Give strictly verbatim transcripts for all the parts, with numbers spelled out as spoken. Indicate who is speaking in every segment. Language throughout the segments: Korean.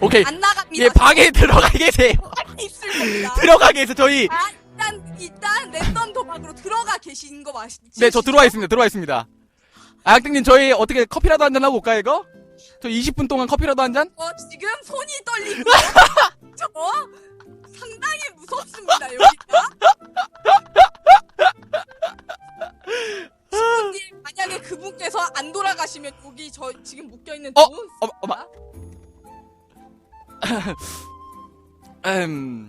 Speaker 1: 오케이.
Speaker 2: 안 나갑니다.
Speaker 1: 예, 방에 들어가 계세요.
Speaker 2: 있을 겁니다.
Speaker 1: 들어가 계세요, 저희.
Speaker 2: 아, 일단, 일단, 랜덤 도박으로 들어가 계신 거 맞,
Speaker 1: 네, 저 들어와 있습니다, 들어와 있습니다. 아, 학생님, 저희 어떻게 커피라도 한잔 하고 올까요, 이거? 저 이십 분 동안 커피라도 한 잔?
Speaker 2: 어, 지금 손이 떨리고, 저, 상당히 무섭습니다, 여기가. 신부님, 만약에 그분께서 안 돌아가시면 여기 저 지금 묶여있는
Speaker 1: 어?
Speaker 2: 돈.
Speaker 1: 어머, 어머. 음.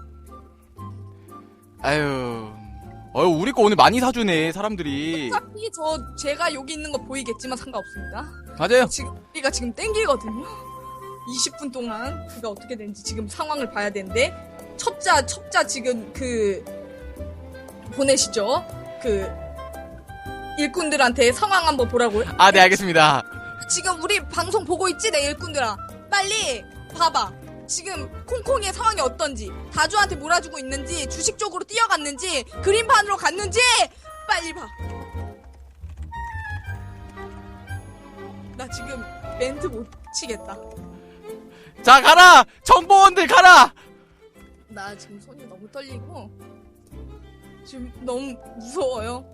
Speaker 1: 아유. 어유, 우리 거 오늘 많이 사주네, 사람들이.
Speaker 2: 어차피 저, 제가 여기 있는 거 보이겠지만 상관없습니다.
Speaker 1: 맞아요.
Speaker 2: 지금, 우리가 지금 땡기거든요? 이십 분 동안 그가 어떻게 되는지 지금 상황을 봐야 되는데, 첩자, 첩자 지금 그, 보내시죠? 그, 일꾼들한테 상황 한번 보라고요?
Speaker 1: 아, 네, 알겠습니다.
Speaker 2: 지금 우리 방송 보고 있지? 내 일꾼들아. 빨리 봐봐. 지금 콩콩이의 상황이 어떤지, 다주한테 몰아주고 있는지, 주식 쪽으로 뛰어갔는지, 그린판으로 갔는지 빨리 봐. 나 지금 멘트 못 치겠다.
Speaker 1: 자, 가라! 정보원들 가라!
Speaker 2: 나 지금 손이 너무 떨리고 지금 너무 무서워요.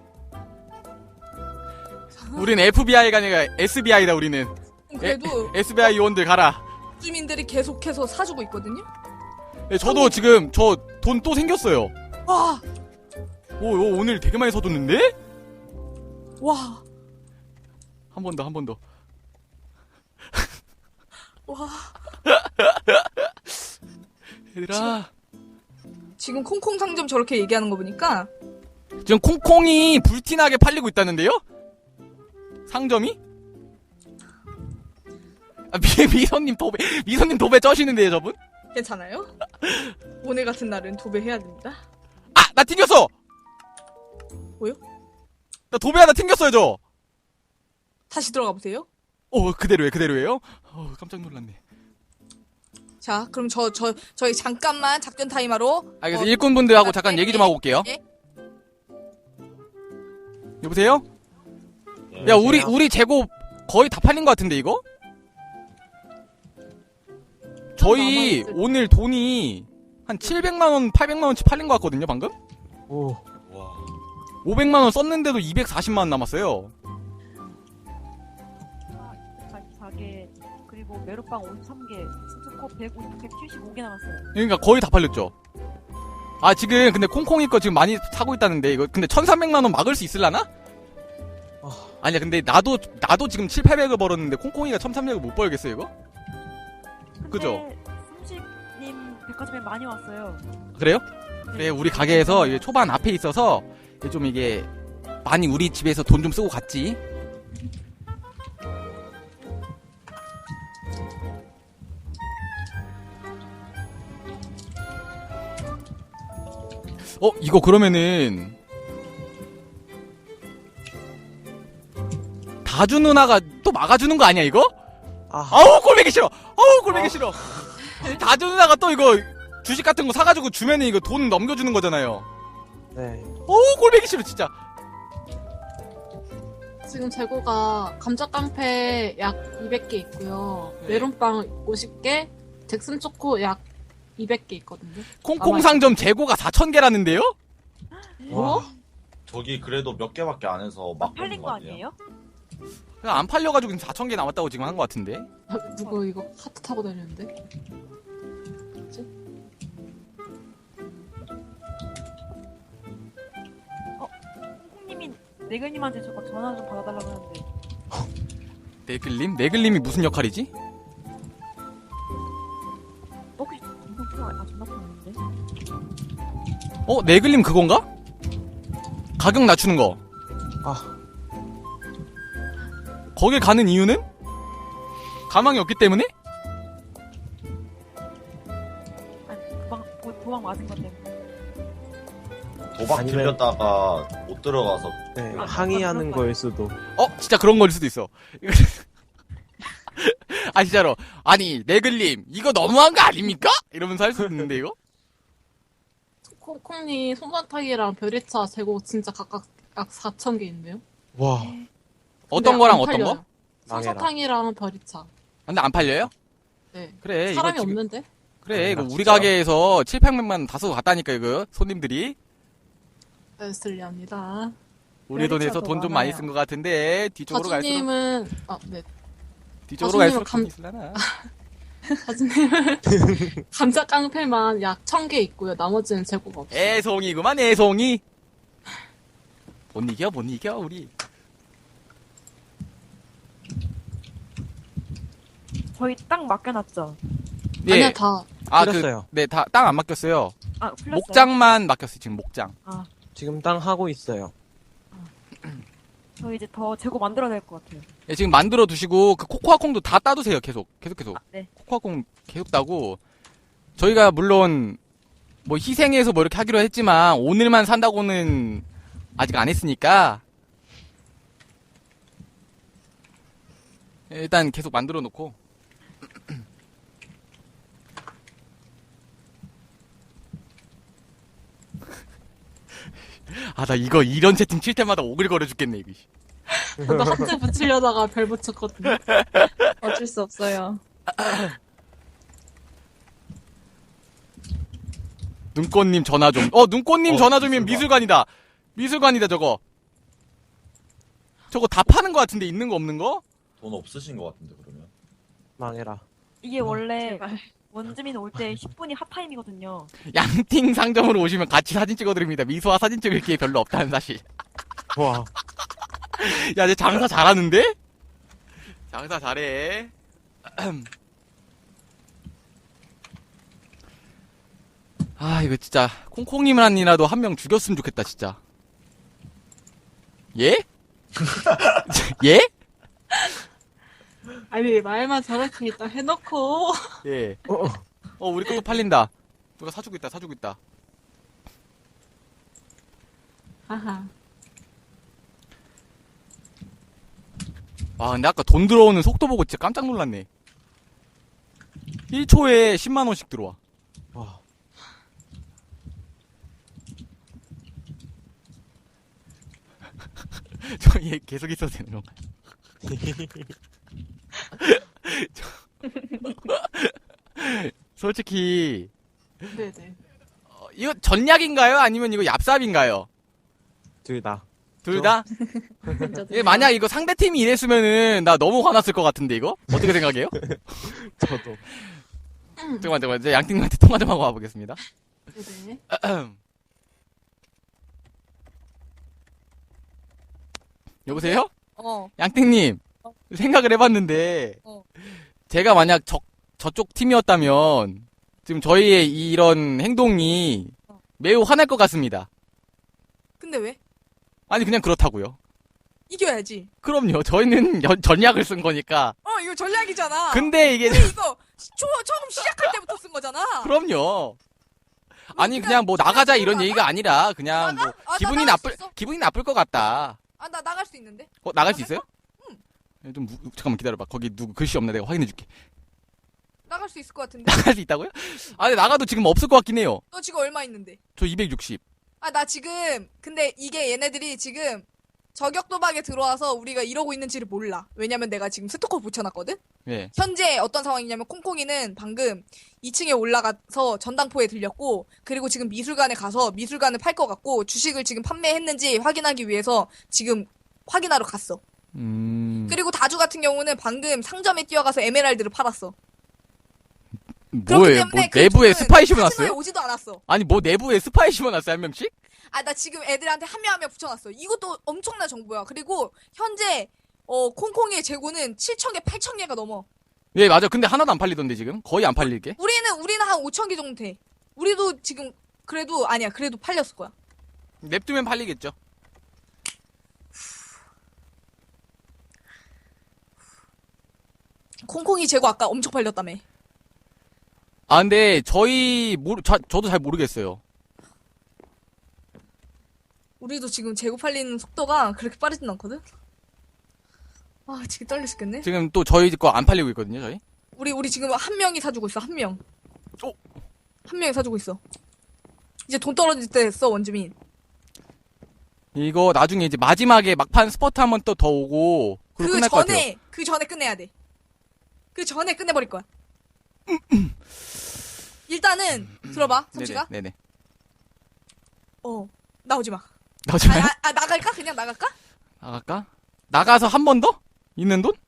Speaker 1: 우린 에프비아이가 아니라 에스비아이다, 우리는.
Speaker 2: 그래도
Speaker 1: 에, 에스비아이 요원들 가라.
Speaker 2: 주민들이 계속해서 사주고 있거든요.
Speaker 1: 네, 저도 지금 저 돈 또 생겼어요.
Speaker 2: 와,
Speaker 1: 오, 오, 오늘 되게 많이 사줬는데?
Speaker 2: 와,
Speaker 1: 한 번 더, 한 번 더.
Speaker 2: 와.
Speaker 1: 얘들아.
Speaker 2: 지금 콩콩 상점 저렇게 얘기하는 거 보니까
Speaker 1: 지금 콩콩이 불티나게 팔리고 있다는데요? 상점이? 아, 미, 미선님 도배, 미선님 도배 쩌시는데요, 저분?
Speaker 2: 괜찮아요? 오늘 같은 날은 도배해야 됩니다.
Speaker 1: 아! 나 튕겼어!
Speaker 2: 뭐요?
Speaker 1: 나 도배 하나 튕겼어요, 저!
Speaker 2: 다시 들어가 보세요.
Speaker 1: 어, 그대로예요, 그대로예요? 어, 깜짝 놀랐네.
Speaker 2: 자, 그럼 저, 저, 저희 잠깐만 작전 타임하러.
Speaker 1: 알겠어,
Speaker 2: 어,
Speaker 1: 일꾼분들하고 잠깐
Speaker 2: 네,
Speaker 1: 얘기 좀 하고 올게요.
Speaker 2: 네.
Speaker 1: 여보세요? 야, 우리, 우리 재고 거의 다 팔린 것 같은데, 이거? 저희
Speaker 2: 남아있을
Speaker 1: 오늘 돈이 한 칠백만 원, 팔백만 원치 팔린 것 같거든요, 방금?
Speaker 3: 오.
Speaker 4: 와.
Speaker 1: 오백만 원 썼는데도 이백사십만 원 남았어요.
Speaker 5: 사십사 개, 그리고 메로빵 오십삼 개, 스투코 백칠십오 개 남았어요.
Speaker 1: 그러니까 거의 다 팔렸죠. 아, 지금 근데 콩콩이 거 지금 많이 사고 있다는데 이거 근데 천삼백만 원 막을 수 있을라나?
Speaker 3: 어.
Speaker 1: 아니야, 근데 나도 나도 지금 칠팔백을 벌었는데 콩콩이가 천삼백을 못 벌겠어, 이거? 그죠?
Speaker 5: 삼십님 백화점에 많이 왔어요.
Speaker 1: 그래요? 그래, 우리 가게에서 이게 초반 앞에 있어서 좀 이게 많이 우리 집에서 돈 좀 쓰고 갔지. 어, 이거 그러면은 다주 누나가 또 막아주는 거 아니야, 이거?
Speaker 3: 아.
Speaker 1: 아우, 꼴보기 싫어. 아우, 꼴보기 싫어. 다주 누나가 또 이거 주식 같은 거 사가지고 주면은 이거 돈 넘겨주는 거잖아요.
Speaker 3: 네.
Speaker 1: 어우, 꼴보기 싫어, 진짜.
Speaker 6: 지금 재고가 감자깡패 약 이백 개 있고요.
Speaker 1: 네.
Speaker 6: 메론빵 오십 개, 잭슨 초코 약 이백 개 있거든요.
Speaker 1: 콩콩 상점 재고가 사천 개라는데요?
Speaker 6: 뭐?
Speaker 4: 저기 그래도 몇 개밖에 안 해서 막
Speaker 5: 팔린 거 아니에요?
Speaker 1: 그냥 안 팔려가지고 지금 사천 개 남았다고 지금 한 거 같은데?
Speaker 6: 아, 누구 이거 카트 타고 다니는데?
Speaker 5: 콩콩님이 네글님한테 저거 전화 좀 받아달라고 하는데.
Speaker 1: 네글님? 네글님이 무슨 역할이지?
Speaker 5: 혹시 전화 통화 아 전화 통화인데?
Speaker 1: 어? 네글님 그건가? 가격 낮추는 거.
Speaker 3: 아.
Speaker 1: 거길 가는 이유는? 가망이 없기 때문에?
Speaker 5: 아니 도망 도- 도망 맞은 것 때문에.
Speaker 4: 도박
Speaker 3: 아니면-
Speaker 4: 들렸다가 못 들어가서
Speaker 3: 네.
Speaker 5: 아,
Speaker 3: 항의하는
Speaker 5: 그럴
Speaker 3: 거일 수도.
Speaker 1: 어? 진짜 그런 거일 수도 있어. 아, 진짜로. 아니, 네글님, 이거 너무한 거 아닙니까? 이러면서 할 수 있는데, 이거?
Speaker 6: 콩콩님 손바닥이랑 별이차 재고 진짜 각각 약 사천 개인데요?
Speaker 3: 와.
Speaker 1: 어떤
Speaker 6: 근데
Speaker 1: 거랑
Speaker 6: 안
Speaker 1: 어떤
Speaker 6: 팔려요.
Speaker 1: 거?
Speaker 3: 망해라.
Speaker 6: 솜사탕이랑 별이차.
Speaker 1: 근데 안 팔려요?
Speaker 6: 네.
Speaker 1: 그래 이거
Speaker 6: 사람이
Speaker 1: 지금-
Speaker 6: 없는데?
Speaker 1: 그래 이거
Speaker 3: 아,
Speaker 1: 우리
Speaker 3: 진짜?
Speaker 1: 가게에서 칠백명만 다소 갔다니까 이거 손님들이
Speaker 6: 네, 슬리합니다.
Speaker 1: 우리 돈에서
Speaker 5: 메리츠가
Speaker 1: 돈
Speaker 5: 더
Speaker 1: 좀 많이
Speaker 5: 많아요.
Speaker 1: 쓴 것 같은데 뒤쪽으로 갈수록
Speaker 6: 가주님은, 아, 네.
Speaker 1: 뒤쪽으로
Speaker 6: 가수님은
Speaker 1: 갈수록
Speaker 6: 감-
Speaker 1: 돈이 있으려나.
Speaker 6: 가주님은 감자 깡패만 약 천 개 있고요. 나머지는 재고가 없어요.
Speaker 1: 애송이구만 애송이. 못 이겨 못 이겨 우리.
Speaker 5: 저희 딱 맡겨놨죠.
Speaker 6: 아니야, 다.
Speaker 1: 아, 그,
Speaker 3: 풀렸어요.
Speaker 1: 네, 다, 땅 안 맡겼어요.
Speaker 5: 아, 풀렸어요.
Speaker 1: 목장만 맡겼어요, 지금 목장.
Speaker 5: 아,
Speaker 3: 지금 땅 하고 있어요.
Speaker 5: 저 이제 더 재고 만들어야 될 것 같아요.
Speaker 1: 예, 지금 만들어 두시고, 그 코코아콩도 다 따두세요, 계속. 계속, 계속.
Speaker 5: 아, 네.
Speaker 1: 코코아콩 계속 따고. 저희가 물론, 뭐 희생해서 뭐 이렇게 하기로 했지만, 오늘만 산다고는 아직 안 했으니까. 예, 일단 계속 만들어 놓고. 아, 나 이거 이런 채팅 칠 때마다 오글거려 죽겠네, 이거.
Speaker 6: 저도 하트 붙이려다가 별 붙였거든요.
Speaker 7: 어쩔 수 없어요.
Speaker 1: 눈꽃님 전화 좀. 어, 눈꽃님
Speaker 4: 어,
Speaker 1: 전화 좀이면
Speaker 4: 미술관.
Speaker 1: 미술관이다. 미술관이다, 저거. 저거 다 파는 거 같은데, 있는 거 없는 거?
Speaker 4: 돈 없으신 것 같은데 그러면.
Speaker 3: 망해라.
Speaker 5: 이게 원래
Speaker 7: 제발.
Speaker 5: 원주민 올 때 십 분이 핫타임이거든요.
Speaker 1: 양팅 상점으로 오시면 같이 사진 찍어드립니다. 미소와 사진 찍을 기회 별로 없다는 사실.
Speaker 3: 와.
Speaker 1: 야, 쟤 장사 잘하는데? 장사 잘해. 아, 이거 진짜, 콩콩님만이라도 한 명 죽였으면 좋겠다, 진짜. 예? 예?
Speaker 6: 아니, 말만 저렇게 일단 해놓고.
Speaker 1: 예.
Speaker 3: 어, 어.
Speaker 1: 어, 우리 것도 팔린다. 누가 사주고 있다, 사주고 있다.
Speaker 6: 하하.
Speaker 1: 와, 근데 아까 돈 들어오는 속도 보고 진짜 깜짝 놀랐네. 일 초에 십만 원씩 들어와.
Speaker 3: 와.
Speaker 1: 저 얘 계속 있어도 되는 건가? 솔직히
Speaker 6: 네네.
Speaker 1: 어, 이거 전략인가요? 아니면 이거 얍삽인가요?
Speaker 3: 둘 다.
Speaker 1: 둘 다? 예, 만약 이거 상대팀이 이랬으면은 나 너무 화났을 것 같은데 이거? 어떻게 생각해요?
Speaker 3: 저도.
Speaker 1: 잠깐만 잠깐만 제가 양팀한테 통화 좀 하고 와보겠습니다.
Speaker 6: 네네.
Speaker 1: 여보세요?
Speaker 2: 어.
Speaker 1: 양띵님
Speaker 2: 어.
Speaker 1: 생각을 해봤는데
Speaker 2: 어.
Speaker 1: 제가 만약 저, 저쪽 팀이었다면 지금 저희의 이런 행동이
Speaker 2: 어.
Speaker 1: 매우 화날 것 같습니다.
Speaker 2: 근데 왜?
Speaker 1: 아니 그냥 그렇다고요.
Speaker 2: 이겨야지.
Speaker 1: 그럼요. 저희는 연- 전략을 쓴 거니까.
Speaker 2: 어, 이거 전략이잖아.
Speaker 1: 근데 이게
Speaker 2: 우리 이거 초, 처음 시작할 때부터 쓴 거잖아.
Speaker 1: 그럼요. 아니
Speaker 2: 그냥
Speaker 1: 그냥 뭐 나가자
Speaker 2: 그냥
Speaker 1: 이런
Speaker 2: 나가?
Speaker 1: 얘기가 아니라 그냥 뭐
Speaker 2: 나가? 아, 나
Speaker 1: 기분이
Speaker 2: 나갈 수
Speaker 1: 나쁠
Speaker 2: 있어.
Speaker 1: 기분이 나쁠 것 같다.
Speaker 2: 아, 나 나갈 수 있는데?
Speaker 1: 어 나갈 수 있어요?
Speaker 2: 응.
Speaker 1: 예, 좀 무- 잠깐만 기다려봐. 거기 누구 글씨 없나 내가 확인해줄게.
Speaker 2: 나갈 수 있을 것 같은데?
Speaker 1: 나갈 수 있다고요? 아 근데 나가도 지금 없을 것 같긴 해요.
Speaker 2: 너 지금 얼마 있는데?
Speaker 1: 저 이백육십.
Speaker 2: 아, 나 지금, 근데 이게 얘네들이 지금 저격 도박에 들어와서 우리가 이러고 있는지를 몰라. 왜냐면 내가 지금 스토커 붙여놨거든?
Speaker 1: 예.
Speaker 2: 현재 어떤 상황이냐면 콩콩이는 방금 이 층에 올라가서 전당포에 들렸고, 그리고 지금 미술관에 가서 미술관을 팔 것 같고, 주식을 지금 판매했는지 확인하기 위해서 지금 확인하러 갔어.
Speaker 1: 음.
Speaker 2: 그리고 다주 같은 경우는 방금 상점에 뛰어가서 에메랄드를 팔았어. 그렇기
Speaker 1: 뭐예요? 뭐
Speaker 2: 때문에 그
Speaker 1: 내부에
Speaker 2: 둘은
Speaker 1: 스파이
Speaker 2: 카지노에
Speaker 1: 심어놨어요?
Speaker 2: 오지도 않았어.
Speaker 1: 아니 뭐 내부에 스파이 심어놨어요 한 명씩?
Speaker 2: 아, 나 지금 애들한테 한 명 한 명 붙여놨어. 이것도 엄청난 정보야. 그리고 현재 어 콩콩이의 재고는 칠천 개, 팔천 개가 넘어.
Speaker 1: 예 맞아. 근데 하나도 안 팔리던데 지금 거의 안 팔릴게.
Speaker 2: 우리는 우리는 한 오천 개 정도 돼. 우리도 지금 그래도 아니야. 그래도 팔렸을 거야.
Speaker 1: 냅두면 팔리겠죠.
Speaker 2: 콩콩이 재고 아까 엄청 팔렸다며.
Speaker 1: 아 근데 저희 모르 자, 저도 잘 모르겠어요.
Speaker 2: 우리도 지금 재고 팔리는 속도가 그렇게 빠르진 않거든. 아, 지금 떨려 죽겠네.
Speaker 1: 지금 또 저희 거 안 팔리고 있거든요 저희.
Speaker 2: 우리 우리 지금 한 명이 사주고 있어. 한 명.
Speaker 1: 어?
Speaker 2: 한 명이 사주고 있어. 이제 돈 떨어질 때 됐어, 원주민.
Speaker 1: 이거 나중에 이제 마지막에 막판 스퍼트 한 번 또 더 오고 그리고
Speaker 2: 그
Speaker 1: 끝날 것 같아요.
Speaker 2: 전에 그 전에 끝내야 돼. 그 전에 끝내버릴 거야. 일단은 들어봐, 삼치가.
Speaker 1: 네네. 네네.
Speaker 2: 어, 나오지 마.
Speaker 1: 나오지
Speaker 2: 아,
Speaker 1: 마요?
Speaker 2: 아, 아, 나갈까? 그냥 나갈까?
Speaker 1: 나갈까? 나가서 한 번 더? 있는 돈?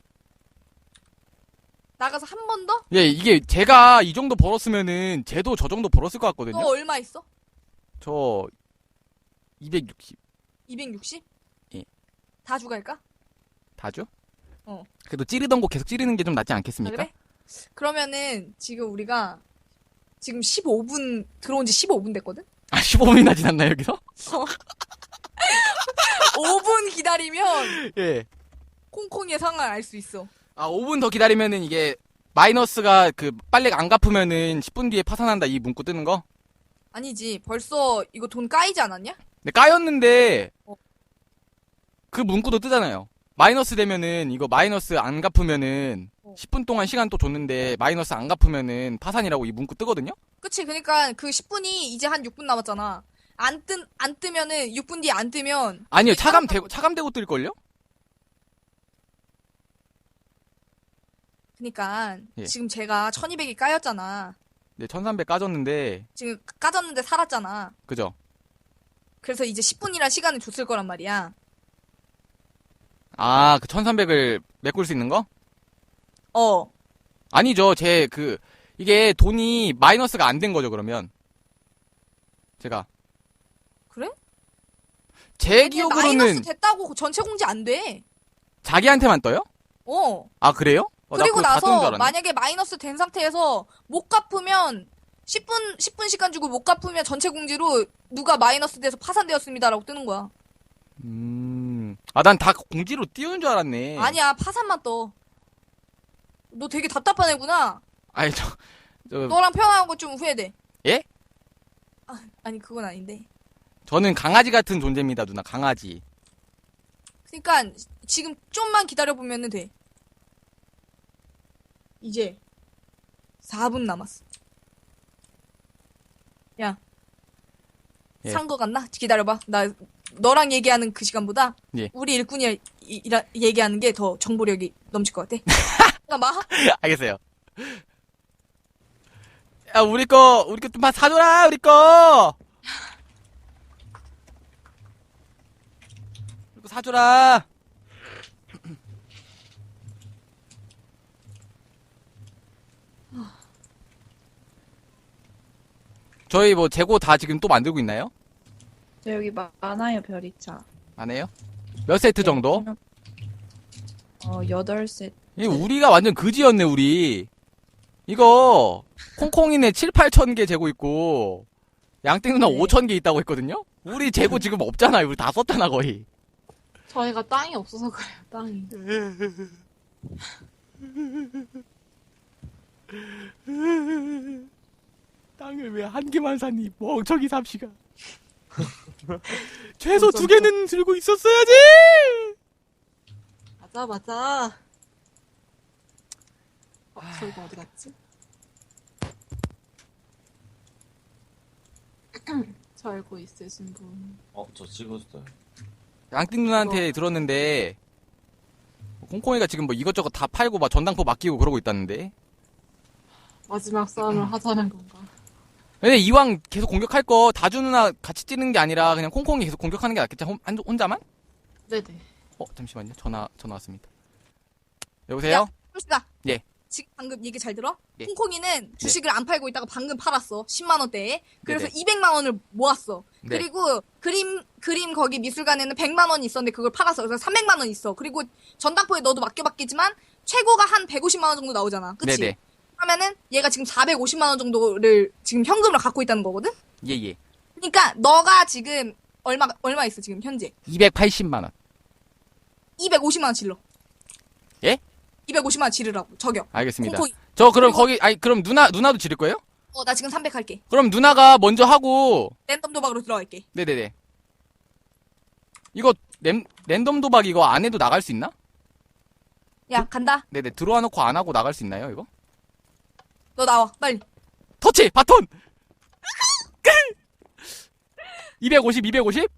Speaker 2: 나가서 한 번 더?
Speaker 1: 예, 이게 제가 이 정도 벌었으면은 쟤도 저 정도 벌었을 것
Speaker 2: 너
Speaker 1: 같거든요.
Speaker 2: 얼마 있어?
Speaker 1: 저 이백육십
Speaker 2: 이백육십?
Speaker 1: 예.
Speaker 2: 다 주갈까?
Speaker 1: 다죠?
Speaker 2: 어.
Speaker 1: 그래도 찌르던 거 계속 찌르는 게 좀 낫지
Speaker 2: 아,
Speaker 1: 않겠습니까?
Speaker 2: 그래? 그러면은 지금 우리가 지금 십오 분 들어온 지 십오 분 됐거든?
Speaker 1: 아, 십오 분이나 지났나요, 여기서?
Speaker 2: 오 분 기다리면
Speaker 1: 예.
Speaker 2: 콩콩이의 상황을 알 수 있어.
Speaker 1: 아, 오 분 더 기다리면은 이게 마이너스가 그 빨리 안 갚으면은 십 분 뒤에 파산한다 이 문구 뜨는 거?
Speaker 2: 아니지, 벌써 이거 돈 까이지 않았냐?
Speaker 1: 네, 까였는데
Speaker 2: 어.
Speaker 1: 그 문구도 뜨잖아요. 마이너스 되면은 이거 마이너스 안 갚으면은
Speaker 2: 어.
Speaker 1: 십 분 동안 시간 또 줬는데 마이너스 안 갚으면은 파산이라고 이 문구 뜨거든요?
Speaker 2: 그치, 그니까 그 십 분이 이제 한 육 분 남았잖아. 안 뜨, 안 뜨면은, 육 분 뒤에 안 뜨면.
Speaker 1: 아니요, 차감되고, 차감되고 뜰걸요?
Speaker 2: 그니까,
Speaker 1: 예.
Speaker 2: 지금 제가 천이백이 까였잖아.
Speaker 1: 네, 천삼백 까졌는데,
Speaker 2: 지금 까졌는데 살았잖아.
Speaker 1: 그죠?
Speaker 2: 그래서 이제 십 분이란 시간을 줬을 거란 말이야.
Speaker 1: 아, 그 천삼백을 메꿀 수 있는 거?
Speaker 2: 어.
Speaker 1: 아니죠, 제 그, 이게 돈이 마이너스가 안 된 거죠, 그러면. 제가.
Speaker 2: 그래?
Speaker 1: 제
Speaker 2: 근데
Speaker 1: 기억으로는
Speaker 2: 마이너스 됐다고 전체 공지 안 돼.
Speaker 1: 자기한테만 떠요?
Speaker 2: 어.
Speaker 1: 아, 그래요? 어, 나
Speaker 2: 그리고
Speaker 1: 그거 다 뜨는 줄
Speaker 2: 나서
Speaker 1: 알았네.
Speaker 2: 만약에 마이너스 된 상태에서 못 갚으면 십 분, 십 분 시간 주고 못 갚으면 전체 공지로 누가 마이너스 돼서 파산되었습니다라고 뜨는 거야.
Speaker 1: 음. 아, 난 다 공지로 띄우는 줄 알았네.
Speaker 2: 아니야, 파산만 떠. 너 되게 답답한 애구나.
Speaker 1: 아니, 저, 저,
Speaker 2: 너랑 표현한 거 좀 후회돼.
Speaker 1: 예?
Speaker 2: 아, 아니 그건 아닌데.
Speaker 1: 저는 강아지 같은 존재입니다, 누나. 강아지.
Speaker 2: 그러니까 지금 좀만 기다려 보면은 돼. 이제 사 분 남았어. 야,
Speaker 1: 예.
Speaker 2: 산 거 같나? 기다려봐. 나 너랑 얘기하는 그 시간보다
Speaker 1: 예.
Speaker 2: 우리 일꾼이 이- 이라- 얘기하는 게 더 정보력이 넘칠 것 같아. 잠깐만.
Speaker 1: 알겠어요. 야, 우리 거, 우리 거 좀 사줘라, 우리 거! 우리 거 사줘라. 저희 뭐 재고 다 지금 또 만들고 있나요?
Speaker 7: 저 여기 마- 많아요, 별이차.
Speaker 1: 안 해요? 몇 세트 정도?
Speaker 7: 어, 여덟 셋.
Speaker 1: 이 우리가 완전 그지였네, 우리. 이거, 콩콩이네 칠, 팔천 개 재고 있고, 양띵 누나
Speaker 7: 네.
Speaker 1: 오천 개 있다고 했거든요? 우리 재고 지금 없잖아요. 우리 다 썼잖아, 거의.
Speaker 6: 저희가 땅이 없어서 그래요, 땅이.
Speaker 1: 땅을 왜 한 개만 샀니? 멍청이 삽시가. 최소 두 개는 들고 있었어야지!
Speaker 6: 맞아, 맞아. 어, 저희가 어디 갔지? 저 알고 있으신 분.
Speaker 4: 어, 저 찍었어요.
Speaker 1: 양띵 누나한테 들었는데, 콩콩이가 지금 뭐 이것저것 다 팔고 막 전당포 맡기고 그러고 있다는데.
Speaker 6: 마지막 싸움을 하자는 건가?
Speaker 1: 근데 이왕 계속 공격할 거 다주 누나 같이 찌는 게 아니라 그냥 콩콩이 계속 공격하는 게 낫겠지? 혼, 한- 혼자만?
Speaker 6: 네네.
Speaker 1: 어, 잠시만요. 전화, 전화 왔습니다. 여보세요?
Speaker 2: 솔직아.
Speaker 1: 예.
Speaker 2: 지금 방금 얘기 잘 들어?
Speaker 1: 예.
Speaker 2: 콩콩이는 주식을 안 팔고 있다가 방금 팔았어. 십만 원대에. 그래서
Speaker 1: 네네.
Speaker 2: 이백만 원을 모았어.
Speaker 1: 네.
Speaker 2: 그리고 그림 그림 거기 미술관에는 백만 원이 있었는데 그걸 팔았어. 그래서 삼백만 원 있어. 그리고 전당포에 너도 맡겨봤겠지만 최고가 한 백오십만 원 정도 나오잖아. 그치?
Speaker 1: 네네.
Speaker 2: 그러면은 얘가 지금 사백오십만 원 정도를 지금 현금으로 갖고 있다는 거거든?
Speaker 1: 예, 예.
Speaker 2: 그러니까 너가 지금 얼마 얼마 있어 지금 현재?
Speaker 1: 이백팔십만 원.
Speaker 2: 이백오십만 원 질러.
Speaker 1: 예?
Speaker 2: 이백오십만 원 지르라고. 저격.
Speaker 1: 알겠습니다.
Speaker 2: 콩콩이.
Speaker 1: 저 그럼
Speaker 2: 그리고-
Speaker 1: 거기, 아니, 그럼 누나, 누나도 지를 거예요?
Speaker 2: 어, 나 지금 삼백 할게.
Speaker 1: 그럼 누나가 먼저 하고,
Speaker 2: 랜덤 도박으로 들어갈게.
Speaker 1: 네네네. 이거, 랜, 랜덤 도박 이거 안 해도 나갈 수 있나?
Speaker 2: 야, 간다.
Speaker 1: 네네. 들어와 놓고 안 하고 나갈 수 있나요, 이거?
Speaker 2: 너 나와. 빨리.
Speaker 1: 터치! 바톤! 이백오십, 이백오십?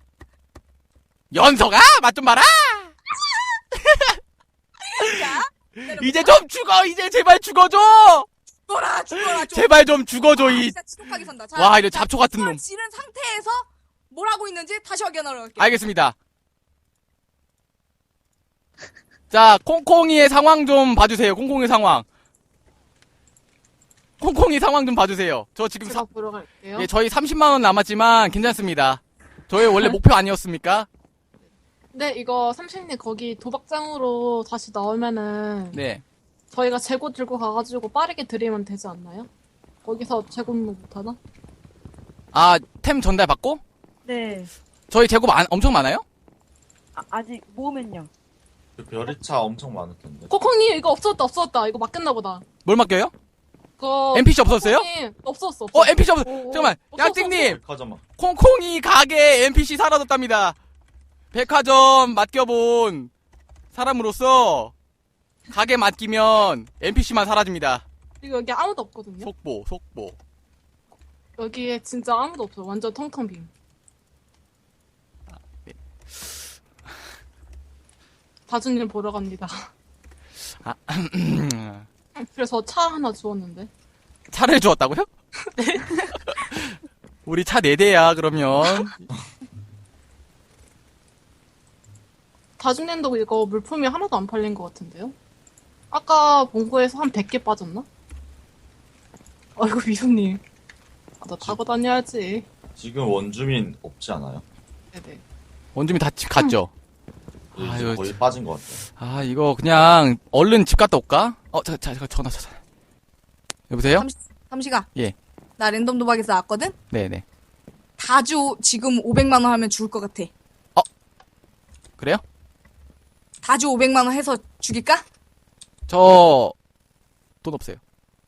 Speaker 1: 연서가! 맛 좀 봐라!
Speaker 2: 자,
Speaker 1: 이제 좀 죽어 이제 제발 죽어줘
Speaker 2: 죽어라 죽어라 좀.
Speaker 1: 제발 좀 죽어줘
Speaker 2: 아,
Speaker 1: 이
Speaker 2: 진짜 지독하게 산다. 자,
Speaker 1: 와, 이거
Speaker 2: 자,
Speaker 1: 잡초 같은
Speaker 2: 이걸
Speaker 1: 놈.
Speaker 2: 지른 상태에서 뭘 하고 있는지 다시 확인하러 갈게.
Speaker 1: 알겠습니다. 자, 콩콩이의 상황 좀 봐주세요. 콩콩이 상황. 콩콩이 상황 좀 봐주세요. 저 지금
Speaker 6: 제가
Speaker 1: 사,
Speaker 6: 보러 갈게요.
Speaker 1: 예, 저희 삼십만 원 남았지만 괜찮습니다. 저희 원래 목표 아니었습니까?
Speaker 6: 네, 이거 삼십님 거기 도박장으로 다시 나오면은
Speaker 1: 네.
Speaker 6: 저희가 재고 들고 가가지고 빠르게 드리면 되지 않나요? 거기서 재고는 못하나?
Speaker 1: 아, 템 전달 받고?
Speaker 5: 네.
Speaker 1: 저희 재고 많, 엄청 많아요?
Speaker 5: 아, 아직 모으면요.
Speaker 4: 그 별이차 엄청 많을 텐데.
Speaker 6: 코콩님 이거 없었다 없었다 이거 맡겼나 보다.
Speaker 1: 뭘 맡겨요?
Speaker 6: 그거
Speaker 1: 엠피씨 없었어요?
Speaker 6: 코콩님 없었어. 없었어.
Speaker 1: 어, 엠피씨 없어.
Speaker 6: 오, 오.
Speaker 1: 잠깐만.
Speaker 6: 없었어,
Speaker 1: 양띵님,
Speaker 4: 백화점아.
Speaker 1: 콩콩이 가게 엠피씨 사라졌답니다. 백화점 맡겨본 사람으로서 가게 맡기면 엠피씨만 사라집니다.
Speaker 6: 이거 여기 아무도 없거든요.
Speaker 1: 속보, 속보.
Speaker 6: 여기에 진짜 아무도 없어. 완전 텅텅 빈. 다준님 보러 갑니다. 그래서 차 하나 주웠는데.
Speaker 1: 차를 주었다고요? 네. 우리 차 네 대야, 그러면.
Speaker 6: 다준님도 이거 물품이 하나도 안 팔린 것 같은데요? 아까 본거에서 한 백 개 빠졌나? 아이고 미소님. 아, 나 타고 다녀야지.
Speaker 4: 지금 원주민 없지 않아요?
Speaker 6: 네네.
Speaker 1: 원주민 다 집 갔죠?
Speaker 4: 이제
Speaker 1: 아유,
Speaker 4: 거의 빠진 것 같아요.
Speaker 1: 아, 이거 그냥 얼른 집 갔다 올까? 어, 자, 자, 자 전화, 전화. 여보세요?
Speaker 2: 삼시, 삼시가.
Speaker 1: 예.
Speaker 2: 나 랜덤 도박에서 나왔거든?
Speaker 1: 네네.
Speaker 2: 다주 지금 오백만 원 하면 죽을 것 같아.
Speaker 1: 그래요?
Speaker 2: 다주 오백만 원 해서 죽일까?
Speaker 1: 저, 돈 없어요.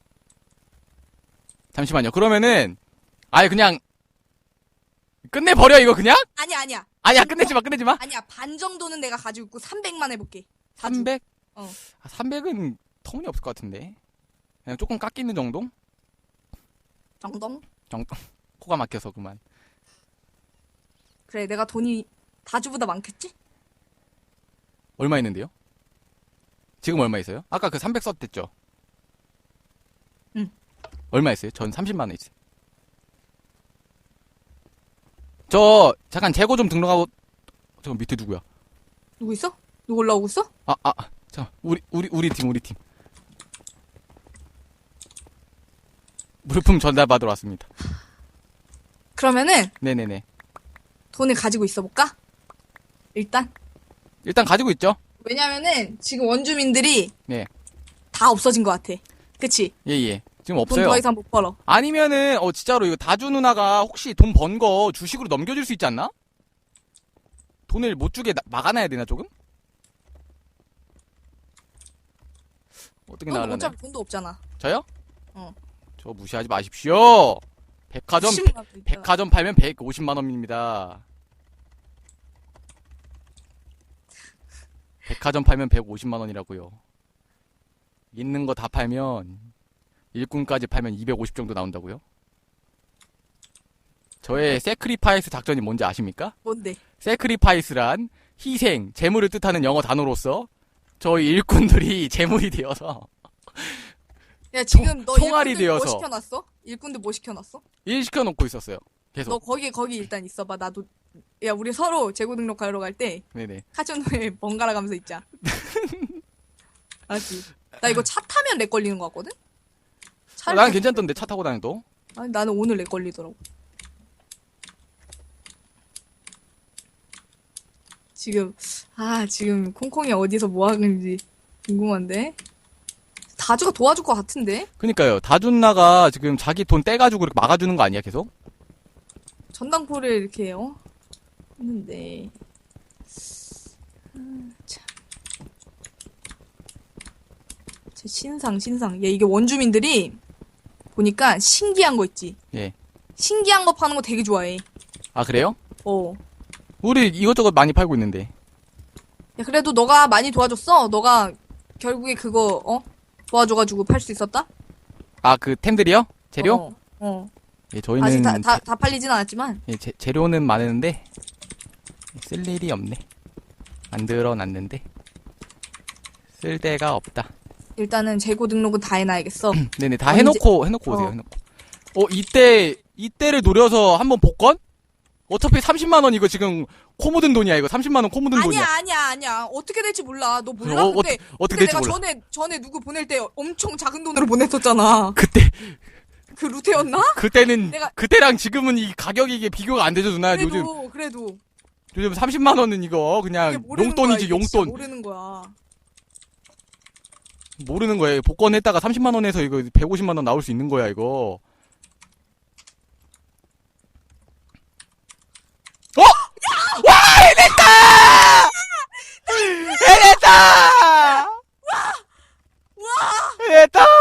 Speaker 1: 잠시만요. 그러면은, 아예 그냥, 끝내버려, 이거 그냥?
Speaker 2: 아니야, 아니야.
Speaker 1: 아니야, 끝내지 마, 끝내지 마.
Speaker 2: 아니야, 반 정도는 내가 가지고 있고 삼백만 해볼게. 다주.
Speaker 1: 삼백?
Speaker 2: 어.
Speaker 1: 아, 삼백은 터무니없을 것 같은데. 그냥 조금 깎이는 정도?
Speaker 2: 정동?
Speaker 1: 정도? 코가 막혀서 그만.
Speaker 2: 그래, 내가 돈이 다주보다 많겠지?
Speaker 1: 얼마 있는데요? 지금 얼마 있어요? 아까 그 삼백 썼댔죠?
Speaker 2: 응.
Speaker 1: 얼마 있어요? 전 삼십만 원 있어요. 저, 잠깐 재고 좀 등록하고, 저 밑에 누구야?
Speaker 2: 누구 있어? 누구 올라오고 있어?
Speaker 1: 아, 아, 자, 우리, 우리, 우리 팀, 우리 팀. 물품 전달받으러 왔습니다.
Speaker 2: 그러면은
Speaker 1: 네네네.
Speaker 2: 돈을 가지고 있어볼까? 일단.
Speaker 1: 일단 가지고 있죠?
Speaker 2: 왜냐면은 지금 원주민들이
Speaker 1: 네.
Speaker 2: 다 없어진 것 같아. 그치?
Speaker 1: 예, 예. 지금
Speaker 2: 돈
Speaker 1: 없어요.
Speaker 2: 더 이상 못 벌어.
Speaker 1: 아니면은, 어, 진짜로 이거 다주 누나가 혹시 돈 번 거 주식으로 넘겨줄 수 있지 않나? 돈을 못 주게 나- 막아놔야 되나, 조금? 어떻게
Speaker 2: 넌
Speaker 1: 나가려나?
Speaker 2: 어차피 돈도 없잖아.
Speaker 1: 저요?
Speaker 2: 어.
Speaker 1: 저 무시하지 마십시오. 백화점,
Speaker 2: 십만 원 있잖아.
Speaker 1: 백화점 팔면 백오십만 원입니다. 백화점 팔면 백오십만 원이라고요. 있는 거 다 팔면 일꾼까지 팔면 이백오십 정도 나온다고요? 저의 세크리파이스 작전이 뭔지 아십니까?
Speaker 2: 뭔데?
Speaker 1: 세크리파이스란 희생, 재물을 뜻하는 영어 단어로서 저희 일꾼들이 재물이 되어서
Speaker 2: 야 지금 너
Speaker 1: 총알이
Speaker 2: 일꾼들 뭐
Speaker 1: 되어서.
Speaker 2: 시켜놨어? 일꾼들 뭐 시켜놨어?
Speaker 1: 일 시켜놓고 있었어요.
Speaker 2: 너
Speaker 1: 계속.
Speaker 2: 거기 거기 일단 있어봐. 나도 야 우리 서로 재고 등록하러 갈 때
Speaker 1: 네네.
Speaker 2: 카지노에 번갈아 가면서 있자. 알지? 나 이거 차 타면 렉 걸리는 거 같거든?
Speaker 1: 어,
Speaker 2: 차를
Speaker 1: 나는
Speaker 2: 타-
Speaker 1: 괜찮던데 차 타고 다녀도.
Speaker 2: 아니 나는 오늘 렉 걸리더라고. 지금 아 지금 콩콩이 어디서 뭐 하는지 궁금한데 다주가 도와줄 것 같은데
Speaker 1: 그니까요. 다준나가 지금 자기 돈 떼가지고 이렇게 막아주는 거 아니야 계속?
Speaker 2: 전당포를 이렇게 어 했는데 아, 참. 제 신상 신상 얘 이게 원주민들이 보니까 신기한 거 있지.
Speaker 1: 예.
Speaker 2: 신기한 거 파는 거 되게 좋아해.
Speaker 1: 아 그래요?
Speaker 2: 어.
Speaker 1: 우리 이것저것 많이 팔고 있는데.
Speaker 2: 야, 그래도 너가 많이 도와줬어. 너가 결국에 그거 어 도와줘가지고 팔 수 있었다.
Speaker 1: 아 그 템들이요? 재료?
Speaker 2: 어. 어.
Speaker 1: 예, 저희는
Speaker 2: 아직 다, 다,
Speaker 1: 재-
Speaker 2: 다 팔리진 않았지만
Speaker 1: 예, 재, 재료는 많은데 쓸 일이 없네. 만들어 놨는데 쓸 데가 없다.
Speaker 2: 일단은 재고 등록은 다 해놔야겠어.
Speaker 1: 네네, 다
Speaker 2: 언제-
Speaker 1: 해놓고, 해놓고 오세요,
Speaker 2: 어.
Speaker 1: 해놓고. 어, 이때, 이때를 노려서 한번 복권? 어차피 삼십만 원 이거 지금 코 묻은 돈이야, 이거. 삼십만 원 코 묻은 돈이야.
Speaker 2: 아니야 아니야 아니야. 어떻게 될지 몰라. 너 몰라?
Speaker 1: 어,
Speaker 2: 그때
Speaker 1: 어떻게, 어떻게
Speaker 2: 그때
Speaker 1: 될지
Speaker 2: 내가
Speaker 1: 몰라.
Speaker 2: 전에 전에 누구 보낼 때 엄청 작은 돈으로 보냈었잖아.
Speaker 1: 그때,
Speaker 2: 그 루테였나?
Speaker 1: 그때는,
Speaker 2: 내가-
Speaker 1: 그때랑 지금은 이 가격이 이게 비교가 안 되죠, 누나.
Speaker 2: 그래도
Speaker 1: 요즘,
Speaker 2: 그래도
Speaker 1: 요즘 삼십만 원은 이거
Speaker 2: 이게
Speaker 1: 그냥
Speaker 2: 모르는
Speaker 1: 용돈이지,
Speaker 2: 거야, 이게 진짜
Speaker 1: 용돈.
Speaker 2: 모르는 거야.
Speaker 1: 모르는 거예요. 복권 했다가 삼십만 원에서 이거 백오십만 원 나올 수 있는 거야, 이거. 어! 와! 해냈다! 해냈다!
Speaker 2: 와!
Speaker 1: 해냈다!